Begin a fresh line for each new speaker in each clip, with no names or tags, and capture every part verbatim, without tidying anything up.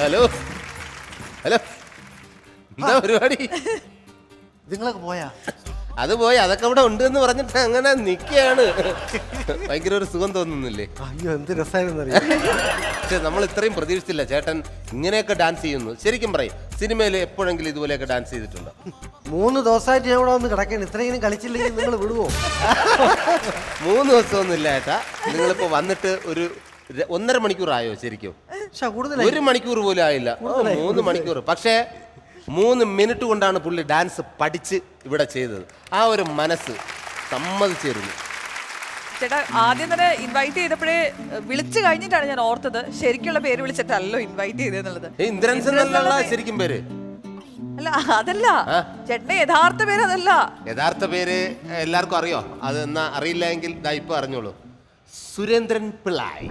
Hello hello എന്താ പരിപാടി?
നിങ്ങളൊക്കെ പോയാ?
അത് പോയി, അതൊക്കെ ഇവിടെ ഉണ്ട് എന്ന് പറഞ്ഞിട്ട് അങ്ങനെ നിൽക്കുകയാണ്. ഭയങ്കര ഒരു സുഖം തോന്നുന്നില്ലേ?
അയ്യോ എന്ത് രസമായിരുന്നു.
പക്ഷെ നമ്മൾ ഇത്രയും പ്രതീക്ഷിച്ചില്ല ചേട്ടൻ ഇങ്ങനെയൊക്കെ ഡാൻസ് ചെയ്യുന്നു. ശരിക്കും പറയും, സിനിമയിൽ എപ്പോഴെങ്കിലും ഇതുപോലെയൊക്കെ ഡാൻസ് ചെയ്തിട്ടുണ്ടോ?
മൂന്ന് ദിവസമായിട്ട് ഞാൻ ഇവിടെ വന്ന് കിടക്കണം. ഇത്രയും കളിച്ചില്ലെങ്കിൽ നിങ്ങൾ വിടുവോ?
മൂന്ന് ദിവസമൊന്നും ഇല്ല ചേട്ടാ. നിങ്ങളിപ്പോ വന്നിട്ട് ഒരു ര- ഒന്നര മണിക്കൂറായോ? ശരിക്കും
പക്ഷെ കൂടുതലായി.
ഒരു മണിക്കൂർ പോലും ആയില്ല. ഓ, മൂന്ന് മണിക്കൂർ. പക്ഷേ മൂന്ന് മിനിറ്റ് കൊണ്ടാണ് പുള്ളി ഡാൻസ് പഠിച്ച് ഇവിടെ ചെയ്തത്. ആ ഒരു മനസ്സ് സമ്മതിച്ചിരുന്നു.
ചേട്ടാ ആദ്യം തന്നെ ഇൻവൈറ്റ് ചെയ്തപ്പോഴേ വിളിച്ചു കഴിഞ്ഞിട്ടാണ് ഞാൻ ഓർത്തത് ശരിക്കുള്ള പേര് വിളിച്ചിട്ടല്ലോ ഇൻവൈറ്റ് ചെയ്തെന്നുള്ളത്.
ഏയ് ഇന്ദ്രൻസ് എന്നുള്ള ശരിക്കും പേര്
അല്ല, അതല്ല ചേട്ടന്റെ യഥാർത്ഥ പേര് അതല്ല.
യഥാർത്ഥ പേര് എല്ലാവർക്കും അറിയോ? അത് എന്നാ അറിയില്ല എങ്കിൽ ദാ ഇപ്പൊ അറിഞ്ഞോളൂ. സുരേന്ദ്രൻ പിള്ളായി.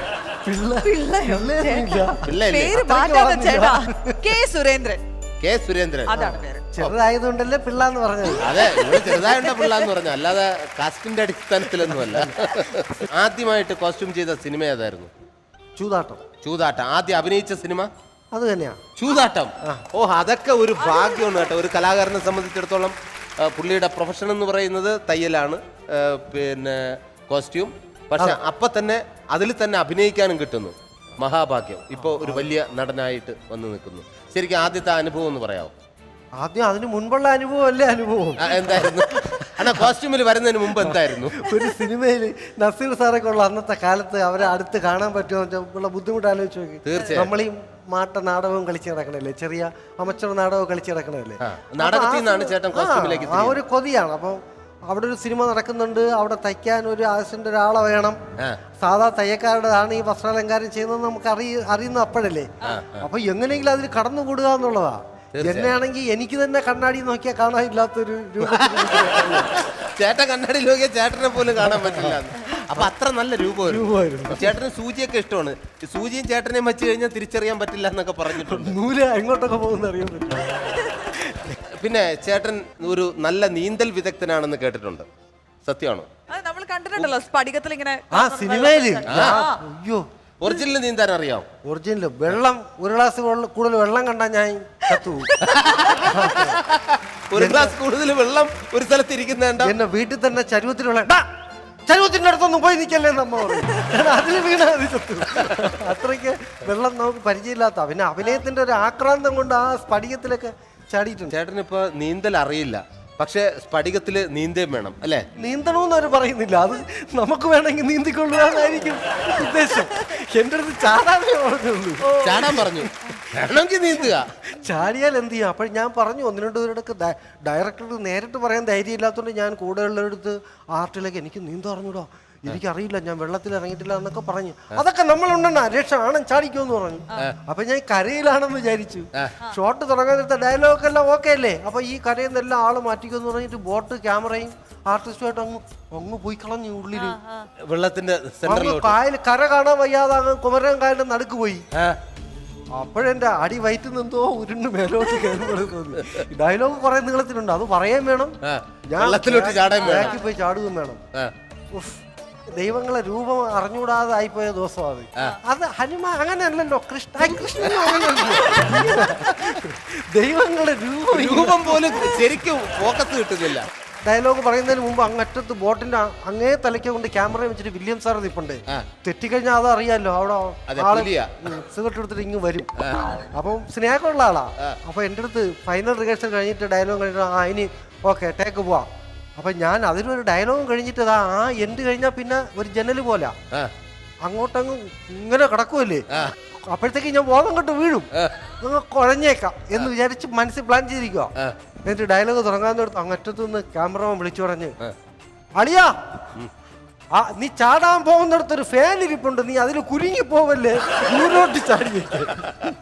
പിള്ളയോ? ചേട്ടാ,
പിള്ളയല്ലേ?
പേര് മാറ്റാതെ ചേട്ടാ. കെ സുരേന്ദ്രൻ.
കെ സുരേന്ദ്രൻ.
അതാണ് പേര്.
ചെറുതായതുകൊണ്ടല്ലേ പിള്ളാന്ന് പറഞ്ഞത്.
അതെ, ഇവിടെ ചെറുതായുണ്ട പിള്ള എന്ന് പറഞ്ഞു, അല്ലാതെ കാസ്റ്റിന്റെ അടിസ്ഥാനത്തിലൊന്നുമല്ല. ആദ്യമായിട്ട് കോസ്റ്റ്യൂം ചെയ്ത സിനിമ ഏതായിരുന്നു?
ചൂതാട്ടം.
ചൂതാട്ടം. ആദ്യം അഭിനയിച്ച സിനിമ
അത് തന്നെയാ
ചൂതാട്ടം. ഓ, അതൊക്കെ ഒരു ഭാഗ്യമാണ് കേട്ടോ. ഒരു കലാകാരനെ സംബന്ധിച്ചിടത്തോളം ആ, പുള്ളിയുടെ പ്രൊഫഷൻ എന്ന് പറയുന്നത് തയ്യലാണ്, ആ, പിന്നെ കോസ്റ്റ്യൂം. പക്ഷെ അപ്പൊ തന്നെ അതിൽ തന്നെ അഭിനയിക്കാനും കിട്ടുന്നു. മഹാഭാഗ്യം. ഇപ്പോൾ ഒരു വലിയ നടനായിട്ട് വന്ന് നിൽക്കുന്നു. ശരിക്കും ആദ്യത്തെ അനുഭവം ഒന്ന് പറയാമോ?
ആദ്യം അതിന് മുൻപുള്ള അനുഭവം അല്ലേ അനുഭവം?
ആ, എന്തായിരുന്നു? അണ്ണാ കോസ്റ്റ്യൂമിൽ വരുന്നതിന് മുമ്പ് എന്തായിരുന്നു?
ഒരു സിനിമയിൽ നസീർ സാറൊക്കെ ഉള്ള അന്നത്തെ കാലത്ത് അവരെ അടുത്ത് കാണാൻ പറ്റുമോ ഉള്ള ബുദ്ധിമുട്ട് ആലോചിച്ച് നോക്കി.
തീർച്ചയായും.
നമ്മളീ മാട്ട നാടകവും കളിച്ച് നടക്കണല്ലേ, ചെറിയ അമച്ചർ നാടകവും കളിച്ച് നടക്കണല്ലേ.
നാടകത്തിൽ നിന്നാണ് ചേട്ടൻ കോസ്റ്റ്യൂമിലേക്ക്
ആ ഒരു കൊതിയാണ്. അപ്പം അവിടെ ഒരു സിനിമ നടക്കുന്നുണ്ട്, അവിടെ തയ്ക്കാൻ ഒരു ആവശ്യന്റെ ഒരാളെ വേണം. സാധാ തയ്യക്കാരുടെതാണ് ഈ വസ്ത്രാലങ്കാരം ചെയ്യുന്നത് നമുക്ക് അറിയ അറിയുന്ന അപ്പോഴല്ലേ. അപ്പൊ എങ്ങനെയെങ്കിലും അതിൽ കടന്നുകൂടുക എന്നുള്ളതാ. എന്നെയാണെങ്കിൽ എനിക്ക് തന്നെ കണ്ണാടി നോക്കിയാൽ കാണാനില്ലാത്തൊരു രൂപത്തിൽ
ചേട്ടൻ കണ്ണാടി നോക്കിയാൽ ചേട്ടനെ പോലും കാണാൻ പറ്റില്ല. അപ്പൊ അത്ര നല്ല രൂപമായിരുന്നു. ചേട്ടന് സൂചിയൊക്കെ ഇഷ്ടമാണ്. സൂചിയും ചേട്ടനെയും വെച്ച് കഴിഞ്ഞാൽ തിരിച്ചറിയാൻ പറ്റില്ല എന്നൊക്കെ പറഞ്ഞിട്ടുണ്ട്.
നൂല് എങ്ങോട്ടൊക്കെ പോകുന്ന അറിയാൻ പറ്റില്ല.
പിന്നെ ചേട്ടൻ ഒരു നല്ല നീന്തൽ വിദഗ്ധനാണെന്ന് കേട്ടിട്ടുണ്ട്. സത്യമാണോ?
അത് നമ്മൾ കണ്ടിട്ടുണ്ടല്ലോ സ്ഫടികത്തിൽ ഇങ്ങനെ.
ആ സിനിമയില് അയ്യോ
ഒറിജിനൽ നീന്താൻ അറിയാം?
ഒറിജിനൽ വെള്ളം ഒരു ഗ്ലാസ് കൂടുതൽ വെള്ളം കണ്ടാൽ ഞാൻ കത്തു.
ഒരു ഗ്ലാസ് കൂടുതൽ വെള്ളം ഒരു സ്ഥലത്ത് ഇരിക്കുന്നുണ്ട്.
എന്നെ വീട്ടിൽ തന്നെ ചരുവത്തിലുള്ള ചരുവത്തിന്റെ അടുത്തൊന്നും പോയി നിൽക്കല്ലേ നമ്മ പറയും. അതിൽ വീണ ചത്തു. അത്രയ്ക്ക് വെള്ളം നമുക്ക് പരിചയമില്ലാത്ത. പിന്നെ അഭിനയത്തിന്റെ ഒരു ആക്രാന്തം കൊണ്ട് ആ സ്ഫടികത്തിലൊക്കെ ചാടിയിട്ടുണ്ട്.
ചേട്ടനിപ്പോ നീന്തൽ അറിയില്ല, പക്ഷെ സ്ഫടികത്തില് നീന്തേം വേണം അല്ലേ?
നീന്തണമെന്ന് അവർ പറയുന്നില്ല. അത് നമുക്ക് വേണമെങ്കിൽ നീന്തിക്കൊള്ളുകയെന്നായിരിക്കും ഉദ്ദേശം. എന്റെ അടുത്ത് ചാടാനേ പറഞ്ഞുള്ളൂ.
ചാടാൻ പറഞ്ഞു, വേണമെങ്കിൽ നീന്തുക.
ചാടിയാൽ എന്ത് ചെയ്യും? അപ്പോൾ ഞാൻ പറഞ്ഞു, ഒന്ന് രണ്ട് പേരുടെ ഡയറക്ടർക്ക് നേരിട്ട് പറയാൻ ധൈര്യം ഇല്ലാത്തതുകൊണ്ട് ഞാൻ കൂടെയുള്ളവരടുത്ത് ആർട്ടിലേക്ക് എനിക്ക് നീന്തം അറിഞ്ഞൂടോ, എനിക്കറിയില്ല, ഞാൻ വെള്ളത്തിൽ ഇറങ്ങിയിട്ടില്ല എന്നൊക്കെ പറഞ്ഞു. അതൊക്കെ നമ്മളുണ്ടെന്നാ രക്ഷ ആണം ചാടിക്കുമെന്ന് പറഞ്ഞു. അപ്പൊ ഞാൻ കരയിലാണെന്ന് വിചാരിച്ചു. ഷോട്ട് തുടങ്ങാനെടുത്ത ഡയലോഗ് എല്ലാം ഓക്കെ അല്ലേ? അപ്പൊ ഈ കരയിൽ നിന്നെല്ലാം ആള് മാറ്റിക്കുമെന്ന് പറഞ്ഞിട്ട് ബോട്ട് ക്യാമറയും ആർട്ടിസ്റ്റുമായിട്ട് അങ്ങ് അങ്ങ് പോയി കളഞ്ഞു ഉള്ളില്
വെള്ളത്തിന്റെ സെന്ററിലോട്ട്.
കായൽ കര കാണാൻ വയ്യാതെ അങ്ങ് കുമരൻ കായലിന്റെ നടുക്ക് പോയി. അപ്പോഴെന്റെ അടി വയറ്റിൽ നിന്നോ ഉരുണ്ട് മേലോട്ട് കയറുമ്പോൾ തോന്നി. ഡയലോഗ് കുറെ നീളത്തിലുണ്ട്, അത് പറയാൻ വേണം. ഞാൻ ബാക്കി പോയി ചാടുകയും വേണം. ദൈവങ്ങളെ രൂപം അറിഞ്ഞുകൂടാതെ ആയിപ്പോയ ദിവസം അത്. അത് ഹനുമാൻ അങ്ങനെയല്ലല്ലോ, കൃഷ്ണ കൃഷ്ണൻ ദൈവങ്ങളുടെ രൂപം
രൂപം പോലും ശരിക്കും ഫോക്കസ് കിട്ടുന്നില്ല.
ഡയലോഗ് പറയുന്നതിന് മുമ്പ് അങ്ങറ്റത്ത് ബോട്ടിന്റെ അങ്ങേ തലയ്ക്ക് കൊണ്ട് ക്യാമറ വെച്ചിട്ട് വില്യം സാർ നിപ്പുണ്ട്. തെറ്റിക്കഴിഞ്ഞാൽ അത് അറിയാലോ, അവിടെ ആള് സിഗരറ്റ് എടുത്തിട്ട് ഇങ്ങ് വരും. അപ്പം സ്നേഹമുള്ള ആളാ. അപ്പൊ എൻ്റെ അടുത്ത് ഫൈനൽ റിഹേഴ്സൽ കഴിഞ്ഞിട്ട് ഡയലോഗ് കഴിഞ്ഞിട്ട് ആ ഇനി ഓക്കെ ടേക്ക് പോവാം. അപ്പൊ ഞാൻ അതിനൊരു ഡയലോഗും കഴിഞ്ഞിട്ട് ആ എൻഡ് കഴിഞ്ഞാൽ പിന്നെ ഒരു ജനല് പോലെ അങ്ങോട്ടങ്ങ് ഇങ്ങനെ കിടക്കുമല്ലേ. അപ്പോഴത്തേക്ക് ഞാൻ ബോധം കൊണ്ട് വീഴും, നിങ്ങൾ കുഴഞ്ഞേക്കാം എന്ന് വിചാരിച്ച് മനസ്സിൽ പ്ലാൻ ചെയ്തിരിക്കുക. എന്നിട്ട് ഡയലോഗ് തുടങ്ങാന്നോടത്ത് അങ്ങറ്റത്തു നിന്ന് ക്യാമറമാൻ വിളിച്ചു പറഞ്ഞ്, അളിയാ ആ നീ ചാടാൻ പോകുന്നിടത്തൊരു ഫാൻ ഇരിപ്പുണ്ട്, നീ അതിൽ കുരുങ്ങി പോവല്ലേ, ദൂരോട്ട് ചാടി.